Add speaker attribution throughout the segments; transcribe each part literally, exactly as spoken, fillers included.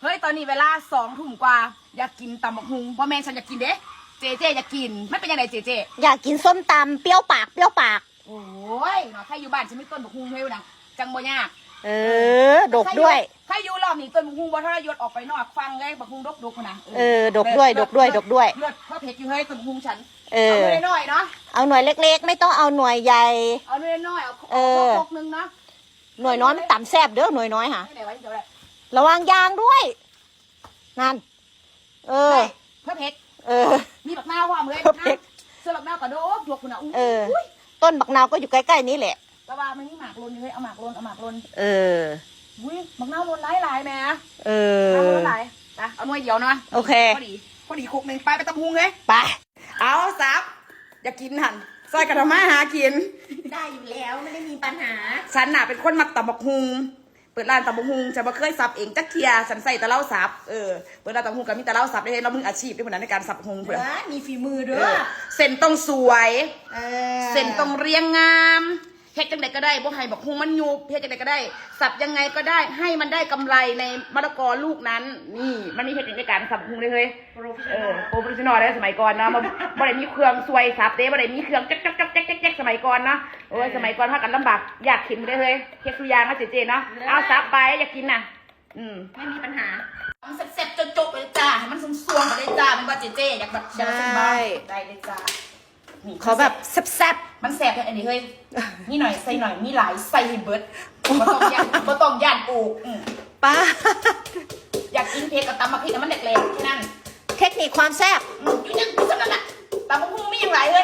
Speaker 1: เฮ้ยตอนนี้เวลาสองทุ่มกว่าอยากกินตำบักฮุงพ่อแม่ฉันอยากกินเด้เจเจอยากกินไม่เป็นยังไงเจเจ
Speaker 2: อยากกินส้มตำเปรี้ยวปากเปรี้ยวปาก
Speaker 1: โอ้ยเนาะใครอยู่บ้านฉันไม่ต้นบักฮุงให้ดังจังบ่ยาก
Speaker 2: เออดกด้วย
Speaker 1: ใครอยู่รอบนี้ต้นบักฮุงบ่ทรยศออกไปนอกฟังเลยบักฮุงดกดกนะ
Speaker 2: เออดกด้วยดกด้วยดกด้วย
Speaker 1: เลือดเพราะเผ็ดอยู่เฮ้ยต้นบักฮุงฉัน
Speaker 2: เออ
Speaker 1: เอาหน่วยน้อยเนาะ
Speaker 2: เอาหน่วยเล็กๆไม่ต้องเอาหน่วยใหญ่
Speaker 1: เอาหน่วยน้อยเอาเออพกนึงเนาะ
Speaker 2: หน่วยน้อยมันต่ำแซ่บเด้อหน่วยน้อยค่ะ
Speaker 1: ไหนไว้เดี๋ยวแหละ
Speaker 2: ระวังยางด้วยนั่นเออ
Speaker 1: เพื่อเผ็ด
Speaker 2: เออ
Speaker 1: มีบักนาวความเลยนะเสื้อบักนาวกระโดดดกคุณอ่ะ
Speaker 2: เออต้นบักนาวก็อยู่ใกล้ๆนี้แหละ
Speaker 1: แต่ว่ามันนี่หมากลนอยู่เฮ้ยเอาหมากลนเอาหมากลน
Speaker 2: เออ
Speaker 1: อุ้ยบักนาวลนหลายหลายแม่
Speaker 2: เออ
Speaker 1: เอาลนหลายนะเอาหน่วยเดียวนะ
Speaker 2: โอเค
Speaker 1: พอดีพอดีคุกหนึ่งไปไปตำฮุงเลย
Speaker 2: ไป
Speaker 1: เอาซับอยากกินหันซอยกระทำมาหากิน
Speaker 2: ได้อยู่แล้วไม่ได้มีปัญหา
Speaker 1: ฉันน่ะเป็นคนมักตำบักฮุงเปิดร้านตำบักฮุงจะมาเคยสับเองจักเทียฉันใส่ตะเล่าสับเออเปิดร้านตำบักฮุงกับมีตะเล่าสับได้เรามืออาชีพด้วยเหมือนในการสับฮุงเพื่อ
Speaker 2: มีฝีมือด้วย
Speaker 1: เส้นต้องสวยเส้นต้องเรียงงามเฮ็ดจังไดก็ได้บ่ให้บักฮุงมันยุบเฮ็ดจังไดก็ได้สับยังไงก็ได้ให้มันได้กำไรในมะละกอลูกนั้นนี่มันมีเทคนิคในการสับฮุงเลยเฮ้ยเออโปรเฟชชั่นอลได้สมัยก่อนเนาะมันบ่ได้มีเครื่องซวยสับเด้บ่ได้มีเครื่องจ๊กจ๊กจ๊กจ๊กจ๊กสมัยก่อนเนาะโอ้ยสมัยก่อนพากันลำบากอยากกินได้เฮ้ยเฮ็ดทุกอย่างนะเจ๊ๆเนาะเอาสับไปอยากกินน่ะอืม
Speaker 2: ไม่มีปัญหา
Speaker 1: มันเสร็จๆจบๆไปเลยจ้าให้มันสวงๆไปเลยจ้ามันว่าเจ๊ๆอยากแบบอยากสบายได้เลยจ้า
Speaker 2: เขาแบบแซ่บ
Speaker 1: ๆมันแสบแค่อันนี้เฮ้ยนี่หน่อยใส่หน่อยมีหลายใส่ให้เบิดบ่ต้องย่านบ่ต้องย่านปลูก
Speaker 2: ป้า
Speaker 1: อยากกินเผ็ดกับตำมะพริกมันแหลกๆแค่นั้น
Speaker 2: เทคนิคความแซ่บ
Speaker 1: อยู่ยังอยู่สำนักอะตำมะพริกไม่ยังไรเลย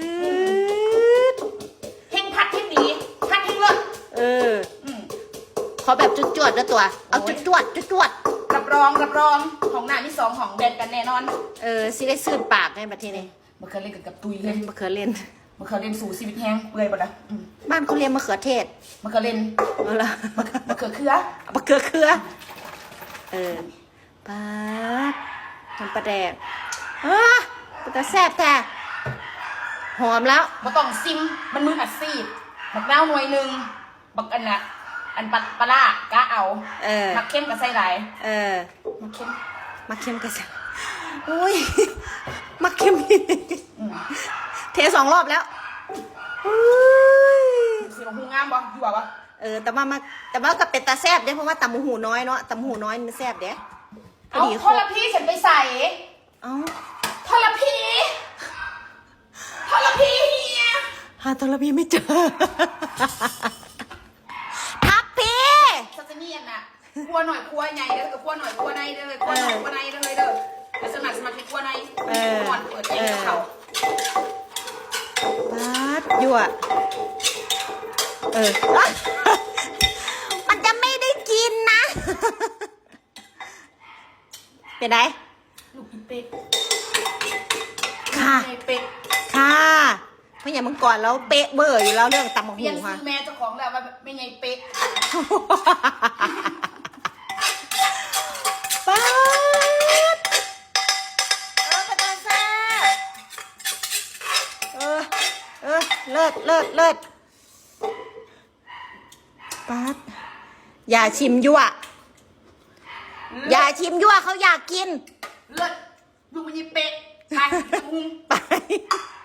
Speaker 1: เฮงพัดเฮงดีพัดเฮงเลิศ
Speaker 2: เออขอแบบจุดจวดนะตัวเอาจุดจวดจุดจวด
Speaker 1: รับรองรับรองของหน้ามีสองของแบนกันแน่นอน
Speaker 2: เออสิได้ซื่นปากไงประเทศนี้
Speaker 1: มะเขือเล่นกับตุยเลย
Speaker 2: มะเขือเล่น
Speaker 1: มะเขือเล่นสู่ชีวิตแห้งเปื่อยหมดนะ
Speaker 2: บ้านเขาเรียนมะเขือเทศ
Speaker 1: มะเขือเล่น
Speaker 2: เอาละ
Speaker 1: มะเขือเคือ
Speaker 2: มะเขือเคือเออปาดทำปลาแดกอ่ะปลาแซ่บแท้หอมแล้ว
Speaker 1: มาต้องซิมมันมืออัดซีดบักน้าวหน่วยหนึ่งบักอันน่ะอันปลาปลากะเอา
Speaker 2: เออ
Speaker 1: มักเข้มกับไส้ไหล
Speaker 2: เออ
Speaker 1: มักเข้ม
Speaker 2: มักเข้มกับไส้อุ้ยมักเข้มเทสองรอบแล้ว
Speaker 1: สีของหูงามบ่อยู่บ่
Speaker 2: เออแต่ว่ามาแต่ว่ากับเป็ดตาแซ่บเด้เพราะว่าตำหูน้อยเนาะตำหูน้อยมันแซ่บเด้
Speaker 1: เอาทอดละพี่ฉันไปใส่
Speaker 2: เอา
Speaker 1: ทอดละพี่ทอดละพี่เฮีย
Speaker 2: หาทอดละพี่ไม่เจอทับพี่
Speaker 1: ซัสมี่น่ะครัวหน่อยครัวใหญ่เด้อกับครัวหน่อยครัวในเด้อครัวหน่อยครัวในเด้อเด้อไปสมัครสมัครในครัวในเออเปิดเองกับเขา
Speaker 2: ปัดยั่วเออมันจะไม่ได้กินนะเป็นไง
Speaker 1: ลูกอีเป็ด
Speaker 2: ค่ะ
Speaker 1: เป็ด
Speaker 2: ค่ะเพราะอย่างเมื่อก่อนเราเป๊ะเบอร์อยู่แล้วเรื่องตำมะฮูค่ะ
Speaker 1: แม่เจ้าของแล้วว่าไม่ไงเป๊ะ
Speaker 2: ปัดเออปตาแซ่เออเออเลิศเลิศเลิศปัดอย่าชิมยั่วอย่าชิมยั่วเขาอยากกิน
Speaker 1: เลิศลูกมันยังเป๊ะไปมุง
Speaker 2: ไป